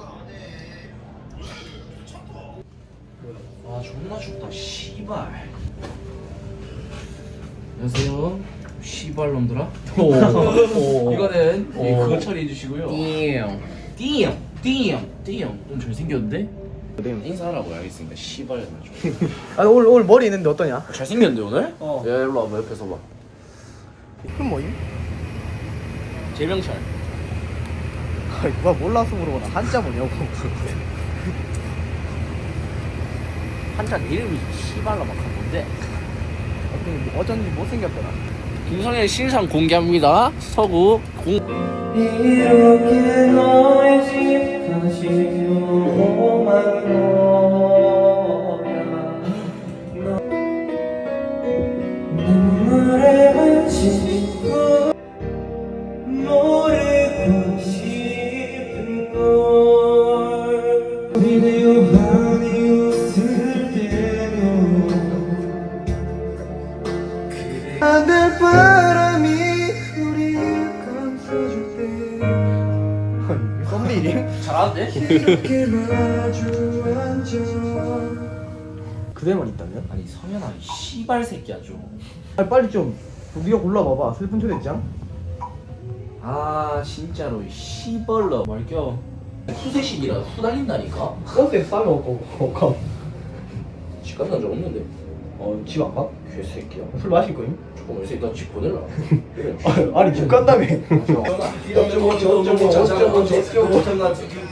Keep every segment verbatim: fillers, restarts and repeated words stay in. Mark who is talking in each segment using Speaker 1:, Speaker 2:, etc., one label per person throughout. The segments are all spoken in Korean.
Speaker 1: 아 존나 춥다 씨발. 안녕하세요 씨발놈들아. 이거는 예, 그거 처리해 주시고요. 띠용 띠용 띠용 띠용 좀 잘생겼는데? 인사하라고 알겠습니다 씨발.
Speaker 2: 아 오늘 오늘 머리 있는데 어떠냐?
Speaker 1: 잘생겼는데 오늘?
Speaker 2: 어.
Speaker 1: 야 일로 와봐 옆에서 봐.
Speaker 2: 그럼 뭐임?
Speaker 1: 재명철.
Speaker 2: 아이 누가 몰라서 물어보나 한자 뭐냐고.
Speaker 1: 한자 이름이 씨발라 막 한 건데.
Speaker 2: 어쩐지 어쩐지 못생겼더라.
Speaker 1: 김성현 신상 공개합니다. 서구 공.
Speaker 3: 이렇게 너의 집 다시 오만 거야 눈물에 묻히고 모르고 싶은 걸 우리는 요한이 웃을 때도 하늘 바람이 우리를 감싸줄 때
Speaker 2: 썸네일임?
Speaker 1: 잘하는데?
Speaker 3: 이렇게 마주 앉아
Speaker 2: 그대만 있다면?
Speaker 1: 아니 성현아 이 씨발 새끼야 좀.
Speaker 2: 아 빨리 좀 네가 골라봐봐. 슬픈 초대장.
Speaker 1: 아 진짜로 이 씨벌러 말겨. 수세식이라 후달린다니까.
Speaker 2: 버스에 싸면 어까?
Speaker 1: 집 갔다 적 없는데.
Speaker 2: 어집 안 가?
Speaker 1: 개새끼야.
Speaker 2: 술 마실 거임?
Speaker 1: 조금 요새 나 집 보낼라. 그래.
Speaker 2: 아, 아니 집 간다며.
Speaker 1: 어쩌고 어쩌고 어쩌고 어쩌고 어쩌고.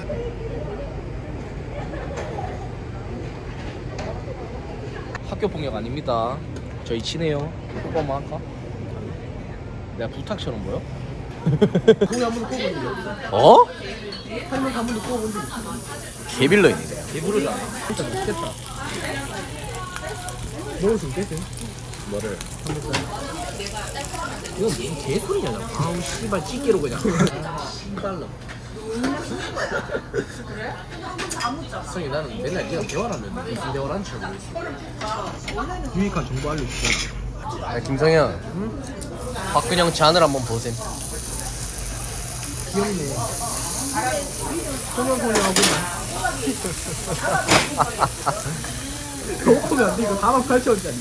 Speaker 1: 학교 폭력 아닙니다. 저희 친해요. 뽀뽀 한번 할까? 내가 부탁처럼 보여?
Speaker 2: 거기 한 번도 꼽은 적이 없어.
Speaker 1: 어?
Speaker 2: 한명 한 번도 꼽은 적이 없어.
Speaker 1: 개빌런이네. 개부르잖아.
Speaker 2: 진짜 못겠다. 먹을 수 있겠지?
Speaker 1: 뭐를?
Speaker 2: 이건 무슨 개소리냐? 아우 씨발 찌개로 그냥.
Speaker 1: 씨발로. 성이 나는 맨날 네가 대화라면 무슨 대화를 하는지 잘 모르겠어.
Speaker 2: 유익한 정보 알려주자.
Speaker 4: 야, 김성현, 응? 박근영 잔을 한번 보셈.
Speaker 2: 귀엽네. 소년소녀하고 너 오면 안돼. 이거 사만 팔천 원짜리.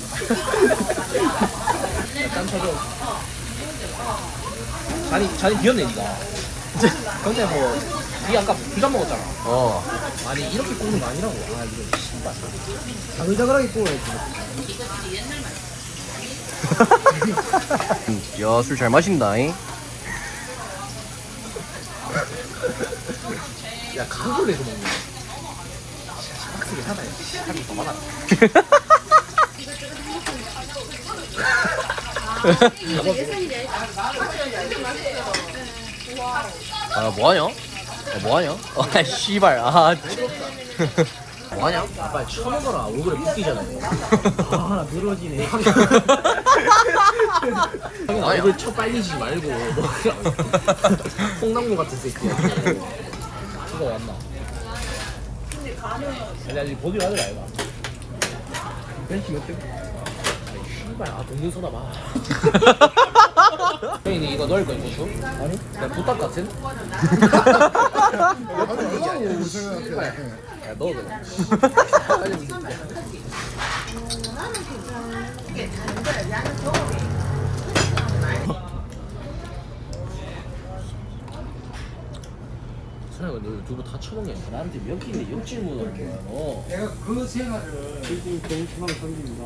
Speaker 1: 짠 쳐줘. 잔이 잔이 비었네 니가. 근데 뭐 니 아까 두 잔 먹었잖아.
Speaker 4: 어.
Speaker 1: 아니 이렇게 굽는 거 아니라고. 아 이거 씨발.
Speaker 2: 자글자글하게 구워야지.
Speaker 4: 야, 술 잘 마신다, 잉?
Speaker 1: 야 각을 해서 먹는 거. 빡세게 사다. 살이 더 많아.
Speaker 4: 아, 뭐하냐? 아, 뭐하냐? 아, 씨발, 아. 뭐하냐?
Speaker 1: 아, 빨리 쳐먹어라. 얼굴에 붓기잖아.
Speaker 2: 아나 늘어지네.
Speaker 1: 형이 얼굴 쳐 빨리지 말고 뭐 그냥 콩나물 같은 새끼야. 그거 왔나? 아니 아직 보기로 하더라 이거.
Speaker 2: 벤치 몇 대?
Speaker 1: 씨발 아 동전 쏟아 봐. 형이 이거 넣을 거야 고추?
Speaker 2: 아니?
Speaker 1: 그냥 부탁 같은? 씨발. 야 넣어 그냥. 빨리 선생님 너 두부 다 처먹냐? 나한테 몇 끼인데 욕질문을 할 거야 너.
Speaker 3: 내가 그 생활을
Speaker 2: 지금 정신만 던집니다.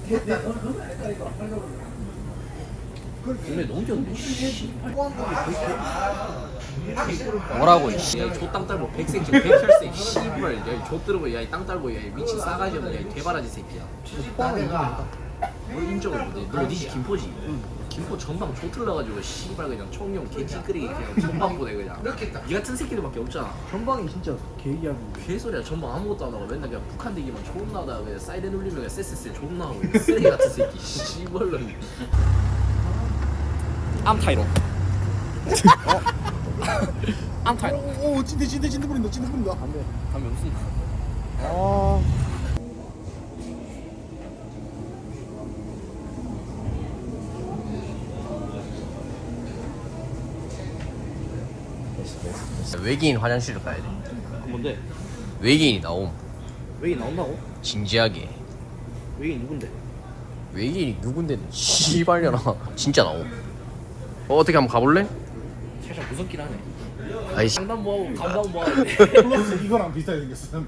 Speaker 1: 근데 너무 좋은데 씨발.
Speaker 4: 뭐라고, 이씨.
Speaker 1: 야이 족땅 딸보 백새끼 백혈새 씨발 야이 족들어보 야이 땅 딸보 야이 미친 싸가지 없는 야이 개바라지 새끼야. 뭘 인정을 못해. 너 니지 김포지? 김포 전방 족틀러가지고 씨발 그냥 총용 개찌끄레기 그냥 전방 보내 그냥. 니 같은 새끼들밖에 없잖아.
Speaker 2: 전방이 진짜 개이하고.
Speaker 1: 개소리야. 전방 아무것도 안 하고 맨날 그냥 북한 대기만 존나 하다가 그냥 사이렌 울리면 그냥 쎄쎄쎄 존나 하고 그냥 쓰레기 같은 새끼 씨발로. 암타이로. 어? 암타이로.
Speaker 2: 오 찐득 찐득 찐득 부린다 찐득 부린다. 안돼.
Speaker 1: 담배 무슨?
Speaker 2: 아.
Speaker 1: 됐어 됐어.
Speaker 4: 외계인 화장실을 가야 돼.
Speaker 2: 뭔데?
Speaker 4: 외계인이 나옴.
Speaker 2: 외계인 나온다고?
Speaker 4: 진지하게.
Speaker 2: 외계인 누군데?
Speaker 4: 외계인이 누군데? 씨발려나. 진짜 나옴. 어, 어떻게 한번 가볼래?
Speaker 1: 살짝 무섭긴 하네.
Speaker 4: 아이씨.
Speaker 1: 장난 뭐하고 감당 뭐하고.
Speaker 3: 플러스 이거랑 비슷하게 생겼어.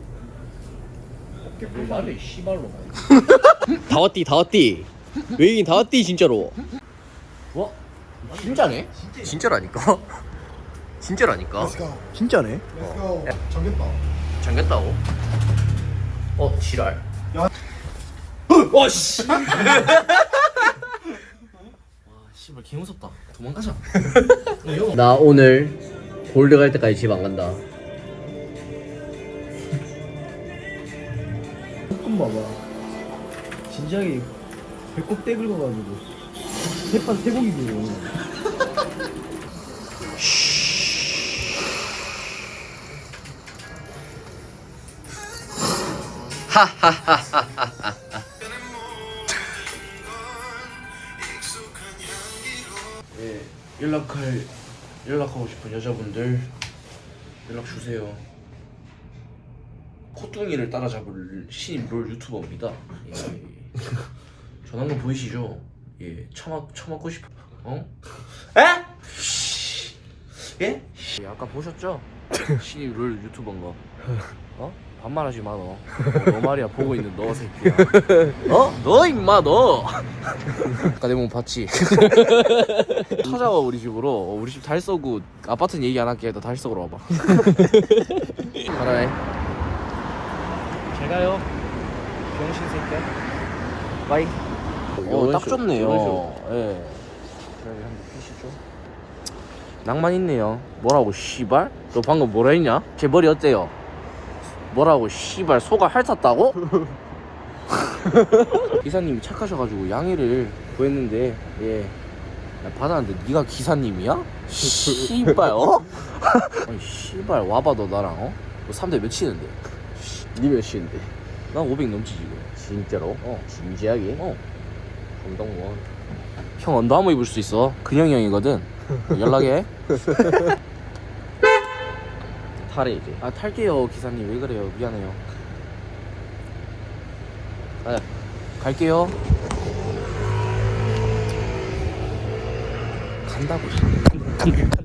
Speaker 1: 말해 씨발로.
Speaker 4: 다 왔디, 다 왔디. 외계인 다 왔디, 진짜로.
Speaker 1: 와 진짜네?
Speaker 4: 진짜라니까? 진짜라니까?
Speaker 2: 진짜네?
Speaker 3: 렛츠고. 정겠다.
Speaker 4: 잠겼다고? 어, 지랄.
Speaker 1: 와 씨. 와 씨발 개 무섭다. 도망가자.
Speaker 4: 나 오늘 골드 갈 때까지 집 안 간다.
Speaker 2: 조금 봐봐. 진지하게 배꼽 떼 긁어가지고 햇반 쇠고기 들고.
Speaker 1: 예, 연락할 연락하고 싶은 여자분들 연락 주세요. 코뚱이를 따라잡을 신임 롤 유튜버입니다. 예. 전화번 보이시죠? 예, 처맞 처맞고 싶어. 어? 에? 예? 예, 아까 보셨죠? 신임 롤 유튜버인 거. 어? 반말하지 마 너. 어, 너 말이야 보고 있는 너 새끼야. 어? 너 임마 너. 아까 내 몸 봤지? 찾아와 우리 집으로. 어, 우리 집 달서구 아파트는 얘기 안 할게. 너 달서구로 와봐. 가라해.
Speaker 2: 잘 가요. 병신 새끼야.
Speaker 1: 빠이. 어, 딱 좋네요.
Speaker 2: 이런
Speaker 1: 예. 낭만 있네요. 뭐라고 씨발? 너 방금 뭐라 했냐? 제 머리 어때요? 뭐라고 씨발 소가 핥았다고? 기사님이 착하셔가지고 양해를 구했는데 예 야, 받았는데 네가 기사님이야? 씨발 어? 아니 씨발 와봐 너 나랑 어? 너 삼 대 몇 치는데?
Speaker 4: 니 몇시인데?
Speaker 1: 난 오백 넘지 지금.
Speaker 4: 진짜로?
Speaker 1: 어.
Speaker 4: 진지하게?
Speaker 1: 어.
Speaker 4: 감동원.
Speaker 1: 형 언더 한번 입을 수 있어. 근형이 형이거든. 연락해.
Speaker 4: 탈해 이제.
Speaker 1: 아 탈게요 기사님. 왜 그래요? 미안해요. 아 갈게요. 간다고.